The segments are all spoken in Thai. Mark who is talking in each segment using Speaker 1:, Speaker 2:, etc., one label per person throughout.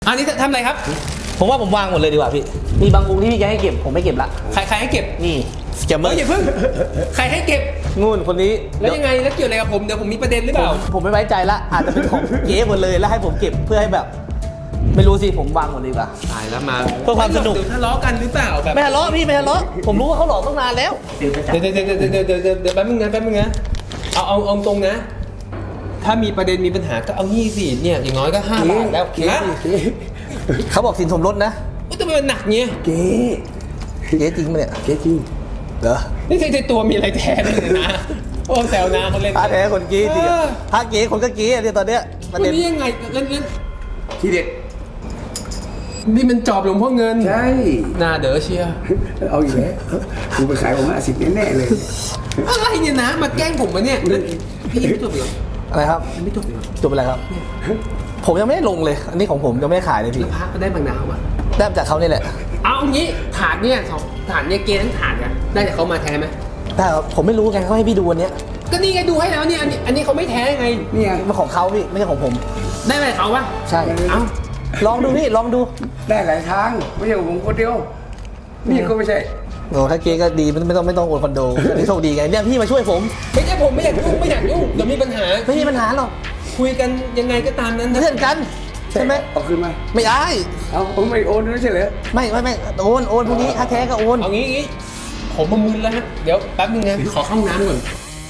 Speaker 1: อันนี้ทำอะไรครับ
Speaker 2: ผมว่าผมวางหมดเลยดีกว่าพี่มีบางองค์ที่พี่แกให้เก็บผมไม่เก็บละ
Speaker 1: ใครให้เก็บ
Speaker 2: นี่สแกมเมอร์
Speaker 1: อย่าเพิ่งใครให้เก็บ
Speaker 2: งูนคนนี้
Speaker 1: แล้วยังไงแล้วเกี่ยวอะไรกับผมเดี๋ยวผมมีประเด็นหรือเปล่า
Speaker 2: ผมไม่ไว้ใจละอาจจะเป็นของเก๊หมดเลยแล้วให้ผมเก็บเพื่อให้แบบไม่รู้สิผมวางหมดดีกว่า
Speaker 1: ตายแล้วมา
Speaker 2: เพื่อความสนุก
Speaker 1: ทะเลาะกันหรือเปล่าแบบ
Speaker 2: ไม่ทะเลาะพี่ไม่ทะเลาะผมรู้ว่าเขาหลอกตั้งนานแล้ว
Speaker 1: เดี๋ยวแป๊บนึงนะเอาตรงนะถ้ามีประเด็นมีปัญหาก็เอานี่สิเนี่ยอย่างน้อยก็5 บาทแล้ว
Speaker 2: เขาบอกสินสมรสนะ
Speaker 1: ทำไมมันหนักเงี้ย
Speaker 2: เก๊จริงไหมเนี่ย
Speaker 1: เก๊จริง
Speaker 2: เหรอ
Speaker 1: นี่ใช่ตัวมีอะไรแท้เลยนะโอ้แซวนาคนเล่น
Speaker 2: ถ้าแท้คนเก๊จริงถ้าเก๊คนก็เก๊เนี่ยตอนเนี้ย
Speaker 1: ประเด็นนี้ยังไงเล่น
Speaker 3: ทีเด็ด
Speaker 1: นี่มันจอบหลวงพ่อเงิน
Speaker 3: ใช่
Speaker 1: หน้าเด๋อเชีย
Speaker 3: เอาอีกแล้วกูไปขายผม50แน่ๆเลย
Speaker 1: อะไรเนี่ยนะมาแกล้งผมมาเนี่ยพี่ไม่จบเหรอ
Speaker 2: อะไรครับ
Speaker 1: ไม่จบเหรอ
Speaker 2: จบอะไรครับผมยังไม่ได้ลงเลยอันนี้ของผมยังไม่ได้ขายเลยพี่
Speaker 1: พระก็ได้บางนาวอ่ะ
Speaker 2: ได้จากเขานี่แหละ
Speaker 1: เอางี้ถาดเนี่ยถาดเนี่ยเกณฑ์ทั้งถาดกันได้จากเขามาแท้ไหม
Speaker 2: ได้ครับผมไม่รู้ไงเขาให้พี่ดูวันนี้
Speaker 1: ก็นี่ไงดูให้แล้วเนี่ยอันนี้เขาไม่แท้ไง
Speaker 2: นี่ไงมันของเขาพี่ไม่ใช่ของผม
Speaker 1: ได้ไหมเขาวะ
Speaker 2: ใช่
Speaker 1: เอ้า
Speaker 2: ลองดูพี่ลองดู
Speaker 3: ได้หลายทางไม่ใช่ผมคนเดียวนี่ก็ไม่ใช่
Speaker 2: โอ้ถ้าเก๊ก็ดีไม่ต้องโอนคอนโดนี่โชคดีไงเนี่ยพี่มาช่วยผม
Speaker 1: ไม่ใช่ผมไม่อยากยุ่งเดี๋ยวมีปัญหา
Speaker 2: ไม่มีปัญหาหรอก
Speaker 1: คุยกันยังไงก็ตามนั้น
Speaker 2: เพื่อนกันใช่ไหม
Speaker 3: เอาคืนมา
Speaker 2: ไม่ได้
Speaker 3: เอาผมไม่โอนไม่ใช่เหรอ
Speaker 2: ไม่โอนพวกนี้ถ้าแท้ก็โอน
Speaker 1: เอางี้ผมมามึนแล้วฮะเดี๋ยวแป๊บนึงนะขอเข้าน้ำก่อน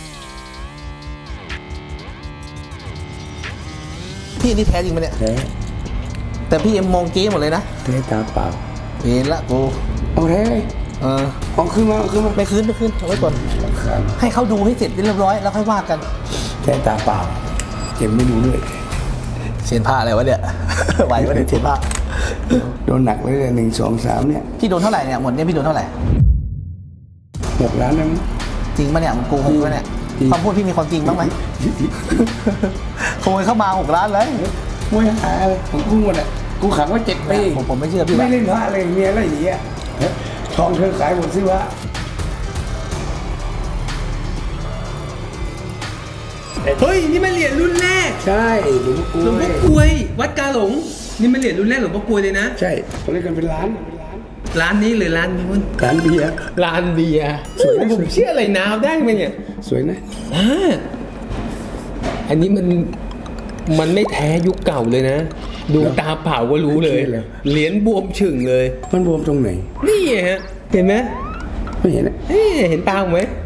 Speaker 2: พี่นี่แท้จริงไหมเนี่ย
Speaker 3: แท้
Speaker 2: แต่พี่ยังมองเก๊หมดเลยนะ
Speaker 3: แท้ตาเปล่า
Speaker 2: เห็นละกู
Speaker 3: เอาแท้เอาคืนมา
Speaker 2: ไม่คืนเอาไว้ก่อนให้เขาดูให้เสร็จเรียบร้อยแล้วค่อยว่ากัน
Speaker 3: แท้ตาเปล่าเก็บไม่ดูด้วย
Speaker 2: เสียนผ้าอะไรวะเนี่ยไหววะเนี่ยเสียนผ้า
Speaker 3: โดนหนักเลย1 2 3เนี่ย
Speaker 2: พี่โดนเท่าไหร่เนี่ยหมดเนี่ยพี่โดนเท่าไหร่
Speaker 3: 6 ล้านนั่น
Speaker 2: จริงปะเนี่ยมันโกหกปะเนี่ยความพูดพี่มีความจริงบ้างไหมขโมยเข้ามา6 ล้านเลย
Speaker 3: ไม่หาเลยผมกู้หมดอ่ะกูขังไว้7 ปี
Speaker 2: ผมไม่เชื่อพี่
Speaker 3: ไม่เล่นพระเลยเมียอะไรอย่างเงี้ยทองเธอขายหมดซื้อวะ
Speaker 1: เฮ้ยนี่มันเหรียญรุ่นแรก
Speaker 3: ใช่หลวง
Speaker 1: พ่อกลวยวัดกาหลงนี่มันเหรียญรุ่นแรกหลวงพ่อกลวยเลยนะ
Speaker 3: ใช่เขาเรียกกันเป็นล้าน
Speaker 1: นี้หรือร้านนู้น
Speaker 3: ร้านเบียร์
Speaker 1: สวยผมเชื่ออะไรน้ำได้ไหมเนี่ย
Speaker 3: สวยนะ
Speaker 1: อันนี้มันไม่แท้ยุคเก่าเลยนะดูตาเปล่าก็รู้เลยเหรียญบวมฉึ่งเลย
Speaker 3: มันบวมตรงไหน
Speaker 1: นี่ฮะเห็นไหม
Speaker 3: ไม่เห็นนะ
Speaker 1: เห็นตาไหม